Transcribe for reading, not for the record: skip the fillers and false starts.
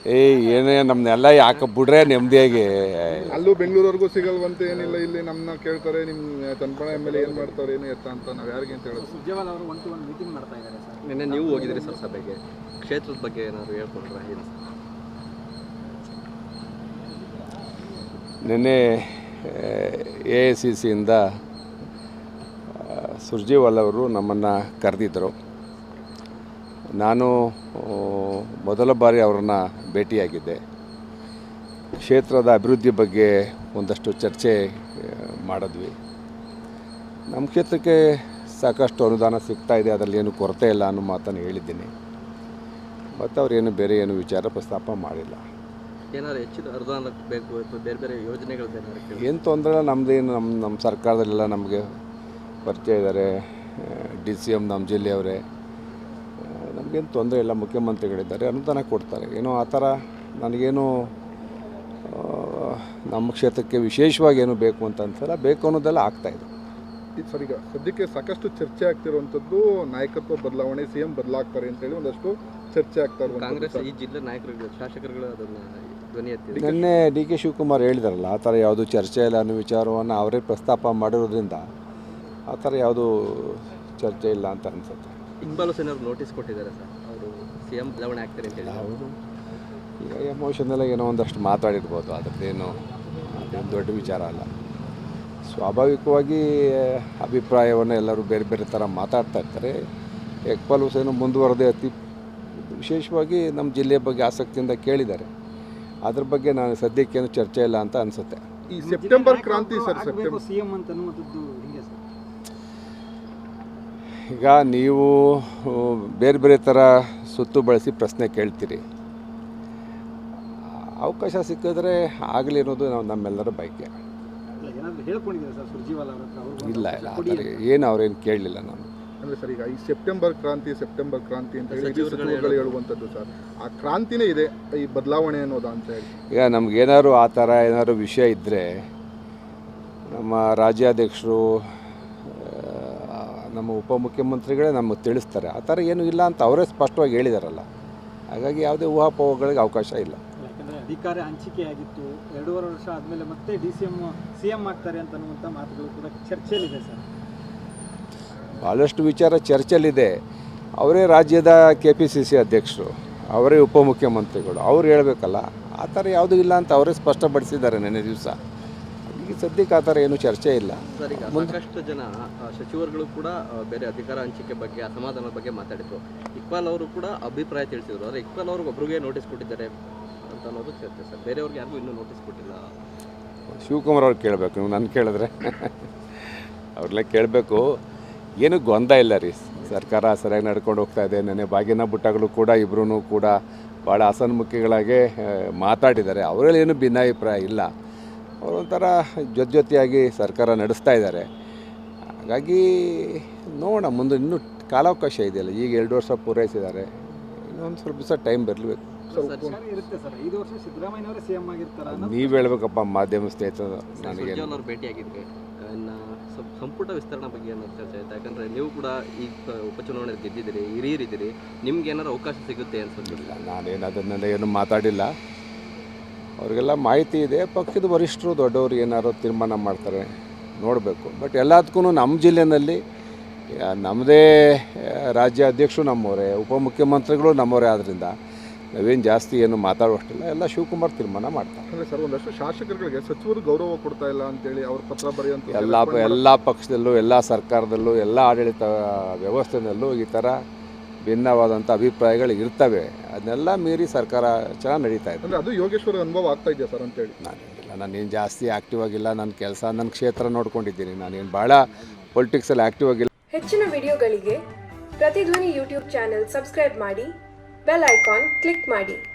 ಏನೇ ನಮ್ಮನ್ನೆಲ್ಲ ಯಾಕೆ ಬಿಡ್ರೆ ನೆಮ್ಮದಿಯಾಗಿ. ಅಲ್ಲೂ ಬೆಂಗಳೂರವರೆಗೂ ಸಿಗಲ್ವಂತೆ, ಏನಿಲ್ಲ ಇಲ್ಲಿ ನಮ್ಮನ್ನ ಕೇಳ್ತಾರೆ ನಿಮ್ಮ ಚನ್ನಪಣ ಎಮ್.ಎಲ್.ಎ ಏನು ಮಾಡ್ತಾರೆ ಏನು ಎತ್ತ ಅಂತ ನಾವು ಯಾರಿಗೆ ಅಂತ ಹೇಳೋದು. ಸುರ್ಜೇವಾಲ ಅವರು 1-to-1 ಮೀಟಿಂಗ್ ಮಾಡ್ತಾ ಇದ್ದಾರೆ ಸರ್. ನಿನ್ನೆ ನೀವು ಹೋಗಿದ್ರಿ ಸರ್ ಸಭೆಗೆ, ಕ್ಷೇತ್ರದ ಬಗ್ಗೆ ಏನಾದ್ರು ಹೇಳ್ಕೊಂಡ್ರೆ ಏನು? ನಿನ್ನೆ AICCಯಿಂದ ಸುರ್ಜೇವಾಲ ಅವರು ನಮ್ಮನ್ನು ಕರೆದಿದ್ದರು. ನಾನು ಮೊದಲ ಬಾರಿ ಅವ್ರನ್ನ ಭೇಟಿಯಾಗಿದ್ದೆ. ಕ್ಷೇತ್ರದ ಅಭಿವೃದ್ಧಿ ಬಗ್ಗೆ ಒಂದಷ್ಟು ಚರ್ಚೆ ಮಾಡಿದ್ವಿ. ನಮ್ಮ ಕ್ಷೇತ್ರಕ್ಕೆ ಸಾಕಷ್ಟು ಅನುದಾನ ಸಿಗ್ತಾ ಇದೆ, ಅದರಲ್ಲಿ ಏನು ಕೊರತೆ ಇಲ್ಲ ಅನ್ನೋ ಮಾತನ್ನು ಹೇಳಿದ್ದೀನಿ. ಮತ್ತು ಅವರೇನು ಬೇರೆ ಏನು ವಿಚಾರ ಪ್ರಸ್ತಾಪ ಮಾಡಿಲ್ಲ. ಏನಾದ್ರು ಹೆಚ್ಚಿನ ಅನುದಾನ ಬೇಕು ಅಥವಾ ಬೇರೆ ಬೇರೆ ಯೋಜನೆಗಳು ಏನು ತೊಂದರೆ ನಮ್ಮದೇನು ನಮ್ಮ ಸರ್ಕಾರದಲ್ಲೆಲ್ಲ ನಮಗೆ ಪರಿಚಯ ಇದ್ದಾರೆ. DCM ನಮ್ಮ ಜಿಲ್ಲೆಯವರೇ, ನಮಗೇನು ತೊಂದರೆ ಇಲ್ಲ. ಮುಖ್ಯಮಂತ್ರಿಗಳಿದ್ದಾರೆ, ಅನುದಾನ ಕೊಡ್ತಾರೆ. ಏನೋ ಆ ಥರ ನನಗೇನು ನಮ್ಮ ಕ್ಷೇತ್ರಕ್ಕೆ ವಿಶೇಷವಾಗಿ ಏನು ಬೇಕು ಅಂತ ಅನ್ಸಲ್ಲ. ಬೇಕು ಅನ್ನೋದೆಲ್ಲ ಆಗ್ತಾಯಿದೆ. ಸರ್, ಈಗ ಸದ್ಯಕ್ಕೆ ಸಾಕಷ್ಟು ಚರ್ಚೆ ಆಗ್ತಿರುವಂಥದ್ದು ನಾಯಕತ್ವ ಬದಲಾವಣೆ, CM ಬದಲಾಗ್ತಾರೆ ಅಂತೇಳಿ ಒಂದಷ್ಟು ಚರ್ಚೆ ಆಗ್ತಾ ಇರುವಂಥದ್ದು. ಕಾಂಗ್ರೆಸ್ ಈ ಜಿಲ್ಲೆ ನಾಯಕರುಗಳು, ಶಾಸಕರುಗಳು ಅದನ್ನು ಧ್ವನಿ ಎತ್ತಿ ನಿನ್ನೆ DK ಶಿವಕುಮಾರ್ ಹೇಳಿದಾರಲ್ಲ, ಆ ಥರ ಯಾವುದು ಚರ್ಚೆ ಇಲ್ಲ ಅನ್ನೋ ವಿಚಾರವನ್ನು ಅವರೇ ಪ್ರಸ್ತಾಪ ಮಾಡಿರೋದ್ರಿಂದ ಆ ಥರ ಯಾವುದೂ ಚರ್ಚೆ ಇಲ್ಲ ಅಂತ ಅನಿಸುತ್ತೆ. ಇಕ್ಬಾಲ್ ಹುಸೇನ್ ಅವರು ನೋಟಿಸ್ ಕೊಟ್ಟಿದ್ದಾರೆ ಸರ್, ಅವರು CM ಬದಲಾವಣೆ ಆಗ್ತಾರೆ ಅಂತ ಹೇಳಿ. ಹೌದು, ಈಗ ಎಮೋಷನಲ್ಲ ಏನೋ ಒಂದಷ್ಟು ಮಾತಾಡಿರ್ಬೋದು, ಅದೇನು ದೊಡ್ಡ ವಿಚಾರ ಅಲ್ಲ. ಸ್ವಾಭಾವಿಕವಾಗಿ ಅಭಿಪ್ರಾಯವನ್ನು ಎಲ್ಲರೂ ಬೇರೆ ಬೇರೆ ಥರ ಮಾತಾಡ್ತಾ ಇರ್ತಾರೆ. ಇಕ್ಬಾಲ್ ಹುಸೇನ್ ಮುಂದುವರೆದೇ ವಿಶೇಷವಾಗಿ ನಮ್ಮ ಜಿಲ್ಲೆಯ ಬಗ್ಗೆ ಆಸಕ್ತಿಯಿಂದ ಕೇಳಿದ್ದಾರೆ. ಅದ್ರ ಬಗ್ಗೆ ನಾನು ಸದ್ಯಕ್ಕೇನು ಚರ್ಚೆ ಇಲ್ಲ ಅಂತ ಅನಿಸುತ್ತೆ. ಈ ಸೆಪ್ಟೆಂಬರ್ ಕ್ರಾಂತಿ ಸರ್, ಸೆಪ್ಟೆಂಬರ್ CM ಅಂತ ಅನ್ನುವಂಥದ್ದು ಹಿಂಗೆ ಸರ್. ಈಗ ನೀವು ಬೇರೆ ಬೇರೆ ಥರ ಸುತ್ತು ಬಳಸಿ ಪ್ರಶ್ನೆ ಕೇಳ್ತೀರಿ. ಅವಕಾಶ ಸಿಕ್ಕಿದ್ರೆ ಆಗಲಿ ಅನ್ನೋದು ನಮ್ಮೆಲ್ಲರ ಬಯಕೆ. ಏನಾದರೂ ಹೇಳ್ಕೊಂಡಿದ್ದಾರೆ ಸರ್ ಸುರ್ಜೇವಾಲ ಅವ್ರ ಹತ್ರ? ಇಲ್ಲ ಇಲ್ಲ, ಆ ಥರ ಏನು ಅವ್ರೇನು ಕೇಳಲಿಲ್ಲ ನಾನು. ಅಂದರೆ ಸರ್, ಈಗ ಈ ಸೆಪ್ಟೆಂಬರ್ ಕ್ರಾಂತಿ ಅಂತ ಹೇಳಿ ಸಚಿವರುಗಳು ಹೇಳುವಂಥದ್ದು ಸರ್, ಆ ಕ್ರಾಂತಿನೇ ಇದೆ ಈ ಬದಲಾವಣೆ ಅನ್ನೋದು ಅಂತ ಹೇಳಿ. ಈಗ ನಮಗೇನಾದ್ರು ಆ ಥರ ಏನಾದ್ರು ವಿಷಯ ಇದ್ದರೆ ನಮ್ಮ ರಾಜ್ಯಾಧ್ಯಕ್ಷರು, ನಮ್ಮ ಉಪಮುಖ್ಯಮಂತ್ರಿಗಳೇ ನಮಗೆ ತಿಳಿಸ್ತಾರೆ. ಆ ಥರ ಏನೂ ಇಲ್ಲ ಅಂತ ಅವರೇ ಸ್ಪಷ್ಟವಾಗಿ ಹೇಳಿದಾರಲ್ಲ. ಹಾಗಾಗಿ ಯಾವುದೇ ಊಹಾಪೋಹಗಳಿಗೆ ಅವಕಾಶ ಇಲ್ಲ. ಯಾಕಂದರೆ ಅಧಿಕಾರ ಹಂಚಿಕೆ ಆಗಿತ್ತು, 2.5 ವರ್ಷ ಆದಮೇಲೆ ಮತ್ತೆ CM ಆಗ್ತಾರೆ ಅಂತ ಅನ್ನುವಂಥ ಮಾತುಗಳು ಕೂಡ ಚರ್ಚೆಯಲ್ಲಿದೆ ಸರ್. ಭಾಳಷ್ಟು ವಿಚಾರ ಚರ್ಚೆಯಲ್ಲಿದೆ. ಅವರೇ ರಾಜ್ಯದ KPCC ಅಧ್ಯಕ್ಷರು, ಅವರೇ ಉಪಮುಖ್ಯಮಂತ್ರಿಗಳು, ಅವ್ರು ಹೇಳಬೇಕಲ್ಲ. ಆ ಥರ ಯಾವುದೂ ಇಲ್ಲ ಅಂತ ಅವರೇ ಸ್ಪಷ್ಟಪಡಿಸಿದ್ದಾರೆ ನಿನ್ನೆ ದಿವಸ. ಈಗ ಸದ್ಯಕ್ಕೆ ಆ ಥರ ಏನೂ ಚರ್ಚೆ ಇಲ್ಲ. ಸರ್, ಈಗ ಸಾಕಷ್ಟು ಜನ ಸಚಿವರುಗಳು ಕೂಡ ಬೇರೆ ಅಧಿಕಾರ ಹಂಚಿಕೆ ಬಗ್ಗೆ, ಅಸಮಾಧಾನದ ಬಗ್ಗೆ ಮಾತಾಡಿದ್ರು. ಇಕ್ಬಾಲ್ ಅವರು ಕೂಡ ಅಭಿಪ್ರಾಯ ತಿಳಿಸಿದ್ರು. ಆದರೆ ಇಕ್ಬಾಲ್ ಅವ್ರಿಗೆ ಒಬ್ರಿಗೆ ನೋಟಿಸ್ ಕೊಟ್ಟಿದ್ದಾರೆ ಅಂತ ಅನ್ನೋದು ಚರ್ಚೆ ಸರ್. ಬೇರೆಯವ್ರಿಗೆ ಯಾರಿಗೂ ಇನ್ನೂ ನೋಟಿಸ್ ಕೊಟ್ಟಿಲ್ಲ. ಶಿವಕುಮಾರ್ ಅವ್ರು ಕೇಳಬೇಕು, ನೀವು ನನ್ನ ಕೇಳಿದ್ರೆ ಅವ್ರಲ್ಲೇ ಕೇಳಬೇಕು. ಏನೂ ಗೊಂದಲ ಇಲ್ಲ ರೀ. ಸರ್ಕಾರ ಸರಿಯಾಗಿ ನಡ್ಕೊಂಡು ಹೋಗ್ತಾ ಇದೆ. ನೆನ್ನೆ ಬಾಗಿನ ಬುಟ್ಟಗಳು ಕೂಡ ಇಬ್ಬರೂ ಕೂಡ ಭಾಳ ಹಸನ್ಮುಖಿಗಳಾಗಿ ಮಾತಾಡಿದ್ದಾರೆ. ಅವರಲ್ಲಿ ಏನೂ ಭಿನ್ನಾಭಿಪ್ರಾಯ ಇಲ್ಲ. ಅವರೊಂಥರ ಜೊತೆಯಾಗಿ ಸರ್ಕಾರ ನಡೆಸ್ತಾ ಇದ್ದಾರೆ. ಹಾಗಾಗಿ ನೋಡೋಣ, ಮುಂದೆ ಇನ್ನೂ ಕಾಲಾವಕಾಶ ಇದೆಯಲ್ಲ. ಈಗ 2 ವರ್ಷ ಪೂರೈಸಿದ್ದಾರೆ, ಇನ್ನೊಂದು ಸ್ವಲ್ಪ ದಿವಸ ಟೈಮ್ ಬರಲೇಬೇಕು. ಇರುತ್ತೆ ಸರ್, 5 ವರ್ಷ ಸಿದ್ದರಾಮಯ್ಯನವರೇ CM ಆಗಿರ್ತಾರೆ. ನೀವು ಹೇಳ್ಬೇಕಪ್ಪ, ಮಾಧ್ಯಮ ಸ್ನೇಹಿತರು. ನನಗೆ ಅವ್ರು ಭೇಟಿಯಾಗಿದ್ವಿ. ಇನ್ನು ಸಂಪುಟ ವಿಸ್ತರಣೆ ಬಗ್ಗೆ ಏನಾದ್ರು ಚರ್ಚೆ ಆಯ್ತು? ಯಾಕಂದರೆ ನೀವು ಕೂಡ ಈಗ ಉಪಚುನಾವಣೆ ಗೆದ್ದಿದ್ದೀರಿ, ಹಿರಿಯರಿದ್ದೀರಿ, ನಿಮ್ಗೆ ಏನಾರು ಅವಕಾಶ ಸಿಗುತ್ತೆ ಅನ್ಸುತ್ತಿಲ್ಲ? ನಾನೇನು ಅದನ್ನೆಲ್ಲ ಏನು ಮಾತಾಡಿಲ್ಲ. ಅವ್ರಿಗೆಲ್ಲ ಮಾಹಿತಿ ಇದೆ. ಪಕ್ಷದ ವರಿಷ್ಠರು ದೊಡ್ಡವರು ಏನಾದ್ರು ತೀರ್ಮಾನ ಮಾಡ್ತಾರೆ, ನೋಡಬೇಕು. ಬಟ್ ಎಲ್ಲದಕ್ಕೂ ನಮ್ಮ ಜಿಲ್ಲೆಯಲ್ಲಿ ನಮ್ಮದೇ ರಾಜ್ಯ ಅಧ್ಯಕ್ಷರು ನಮ್ಮವರೇ, ಉಪಮುಖ್ಯಮಂತ್ರಿಗಳು ನಮ್ಮವರೇ. ಆದ್ದರಿಂದ ನಾವೇನು ಜಾಸ್ತಿ ಏನು ಮಾತಾಡುವಷ್ಟಿಲ್ಲ. ಎಲ್ಲ ಶಿವಕುಮಾರ್ ತೀರ್ಮಾನ ಮಾಡ್ತಾರೆ. ಅಂದರೆ ಸರ್, ಒಂದಷ್ಟು ಶಾಸಕರುಗಳಿಗೆ ಸಚಿವರು ಗೌರವ ಕೊಡ್ತಾ ಇಲ್ಲ ಅಂತೇಳಿ ಅವ್ರ ಪತ್ರ ಬರೆಯುವಂಥ ಎಲ್ಲ ಪಕ್ಷದಲ್ಲೂ, ಎಲ್ಲ ಸರ್ಕಾರದಲ್ಲೂ, ಎಲ್ಲ ಆಡಳಿತ ವ್ಯವಸ್ಥೆಯಲ್ಲೂ ಈ ಥರ ಭಿನ್ನವಾದಂಥ ಅಭಿಪ್ರಾಯಗಳು ಇರ್ತವೆ. ಅದನ್ನೆಲ್ಲ ಮೀರಿ ಸರ್ಕಾರ ಚೆನ್ನಾಗಿ ನಡೀತಾ ಇದೆ. ಅಂದರೆ ಅದು ಯೋಗೇಶ್ವರ ಅನುಭವ ಆಗ್ತಾ ಇದೆಯಾ ಸರ್ ಅಂತೇಳಿ? ನಾನೇನು ಜಾಸ್ತಿ ಆ್ಯಕ್ಟಿವ್ ಆಗಿಲ್ಲ. ನನ್ನ ಕೆಲಸ, ನನ್ನ ಕ್ಷೇತ್ರ ನೋಡ್ಕೊಂಡಿದ್ದೀನಿ. ನಾನೇನು ಭಾಳ ಪೊಲಿಟಿಕ್ಸಲ್ಲಿ ಆ್ಯಕ್ಟಿವ್ ಆಗಿಲ್ಲ. ಹೆಚ್ಚಿನ ವಿಡಿಯೋಗಳಿಗೆ ಪ್ರತಿಧ್ವನಿ ಯೂಟ್ಯೂಬ್ ಚಾನೆಲ್ ಸಬ್ಸ್ಕ್ರೈಬ್ ಮಾಡಿ, ಬೆಲ್ ಐಕಾನ್ ಕ್ಲಿಕ್ ಮಾಡಿ.